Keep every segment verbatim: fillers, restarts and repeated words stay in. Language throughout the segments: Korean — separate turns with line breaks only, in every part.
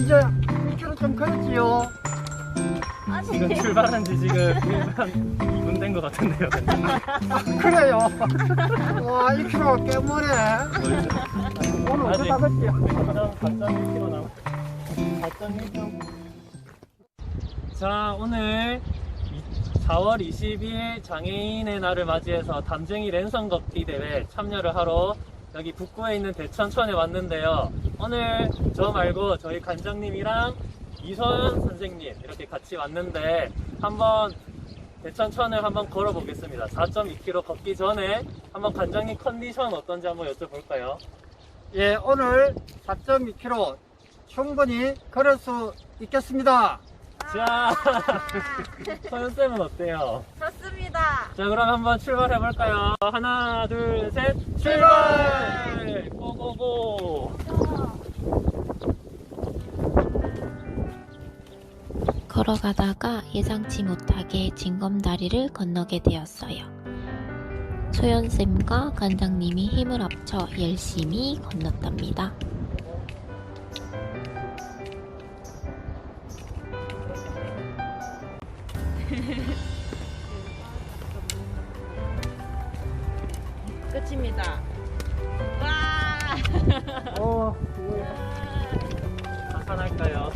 이제 이 킬로미터 좀 걸었지요.
지금 출발한 지 지금 한 이 분 된 것 같은데요.
아, 그래요. 와, 이 킬로미터 꽤 머네. 오늘
아직
어쩌다 걸지요.
사 점 일 킬로미터 남았어요. 사 점 일 킬로미터. 자, 오늘 사월 이십일 장애인의 날을 맞이해서 담쟁이 랜선 걷기 대회 참여를 하러 여기 북구에 있는 대천천에 왔는데요. 오늘 저 말고 저희 관장님이랑 이서연 선생님 이렇게 같이 왔는데 한번 대천천을 한번 걸어 보겠습니다. 사 점 이 킬로미터 걷기 전에 한번 관장님 컨디션 어떤지 한번 여쭤볼까요?
예, 오늘 사 점 이 킬로미터 충분히 걸을 수 있겠습니다.
자, 서연쌤은 어때요?
좋습니다.
자, 그럼 한번 출발해 볼까요? 하나, 둘, 셋, 출발! 고고고!
걸어가다가 예상치 못하게 징검다리를 건너게 되었어요. 소연쌤과 관장님이 힘을 합쳐 열심히 건넜답니다.
끝입니다. 와!
어,
한판할까요?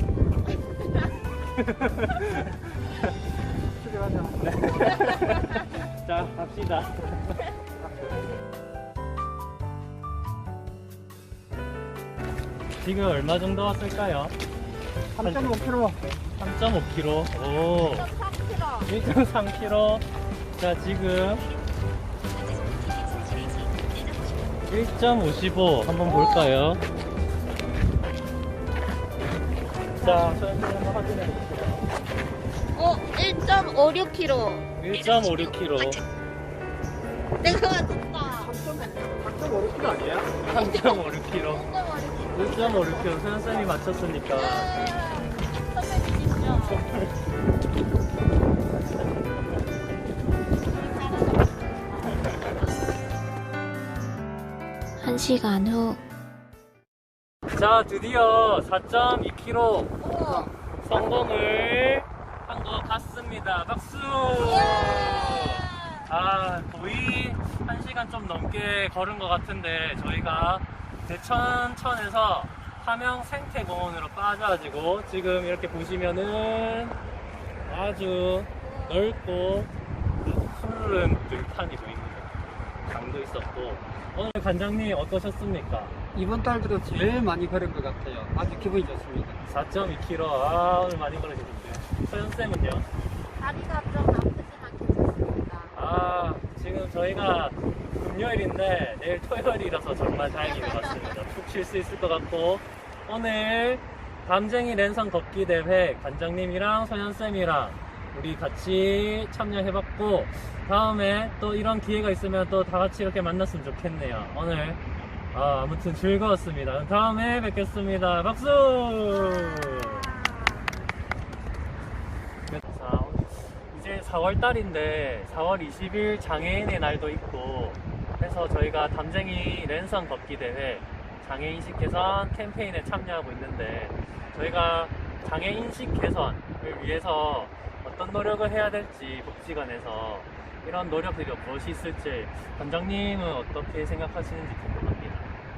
출발하자.
자, 갑시다. 지금 얼마 정도 왔을까요?
삼 점 오 킬로미터.
삼 점 오 킬로미터. 오,
삼 킬로미터.
일 점 삼 킬로미터. 자, 지금 일 점 오십오 한번 볼까요? 자, 저희한테 한번 확인해 볼게요.
어, 일 점 오육 킬로미터.
일 점 오육 킬로미터.
내가 맞췄다.
삼 점 오 킬로미터 아니야?
삼 점 오육 킬로미터. 일 점 오육 킬로미터. 소연쌤이 맞췄으니까.
선배 주십시오.
한 시간 후
자, 드디어 사 점 이 킬로미터
우와.
성공을 한 것 같습니다. 박수! 아, 거의 한 시간 좀 넘게 걸은 것 같은데 저희가 대천천에서 함영 생태공원으로 빠져가지고 지금 이렇게 보시면은 아주 넓고 푸른 들판이 보입니다. 강도 있었고 오늘 관장님 어떠셨습니까?
이번 달 들어 제일 많이 걸은 것 같아요. 아주 기분이 좋습니다.
사 점 이 킬로미터. 아, 오늘 많이 걸으셨는데 서연쌤은요?
다리가 좀 아프지만 괜찮습니다.
아, 지금 저희가 금요일인데 내일 토요일이라서 정말 다행인 것 같습니다. 푹 쉴 수 있을 것 같고 오늘 담쟁이 랜선 걷기 대회 관장님이랑 소연쌤이랑 우리 같이 참여해봤고 다음에 또 이런 기회가 있으면 또 다 같이 이렇게 만났으면 좋겠네요. 오늘 아, 아무튼 즐거웠습니다. 다음에 뵙겠습니다. 박수! 자, 이제 사월 달인데 사월 이십일 장애인의 날도 있고 해서 저희가 담쟁이 랜선 걷기 대회 장애인식 개선 캠페인에 참여하고 있는데 저희가 장애인식 개선을 위해서 어떤 노력을 해야 될지 복지관에서 이런 노력들이 무엇이 있을지 관장님은 어떻게 생각하시는지 궁금합니다.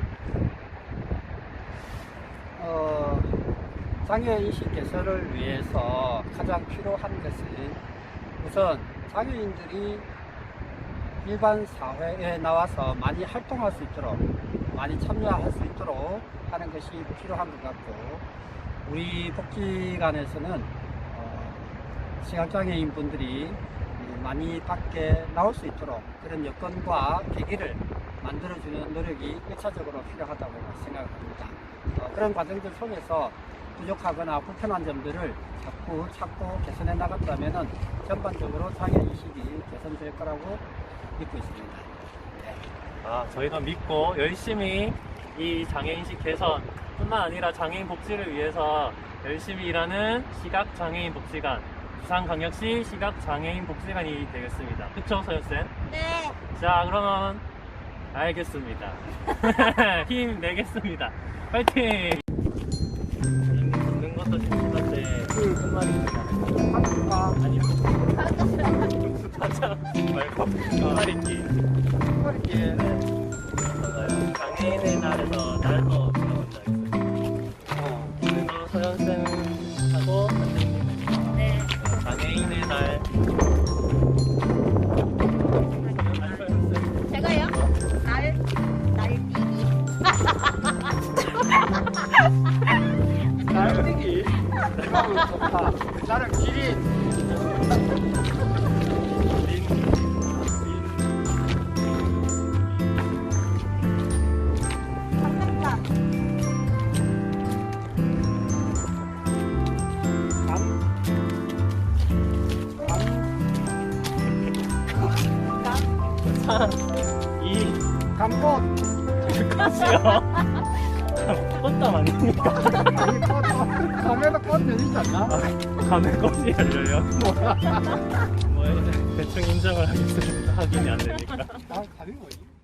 어, 장애인식 개선을 위해서 가장 필요한 것은 우선 장애인들이 일반 사회에 나와서 많이 활동할 수 있도록 많이 참여할 수 있도록 하는 것이 필요한 것 같고 우리 복지관에서는 어, 시각장애인 분들이 많이 밖에 나올 수 있도록 그런 여건과 계기를 만들어주는 노력이 일차적으로 필요하다고 생각합니다. 어, 그런 과정들 속에서 부족하거나 불편한 점들을 자꾸 찾고 개선해 나간다면 전반적으로 장애인식이 개선될 거라고 믿고 있습니다. 네.
아, 저희가 믿고 열심히 이 장애인식 개선 뿐만 아니라 장애인 복지를 위해서 열심히 일하는 시각장애인 복지관 부산광역시 시각장애인 복지관이 되겠습니다. 그쵸, 서연쌤?
네.
자, 그러면 알겠습니다. 힘내겠습니다. 파이팅! 끝말입니다.
한국과
아니요. 가자 말고 끝말잇기.
이렇게
맞아요. 장애인의 날에서 날도 들어본 적 있어요.
어,
그래서 서현쌤하고 선생님
네.
장애인의 날. 서현쌤.
제가요? 날, 날뛰기.
날뛰기. 이거 좋다. 나는 기린.
린. 산. 이.
감꽃.
꽃이요. 꽃담 아닙니까?
아니 꽃. 감에도 꽃 열리지 않나?
밤에 꽃이 열려요? 뭐 대충 인정을 하겠습니다. 확인이 안 되니까.
아 감이 뭐지?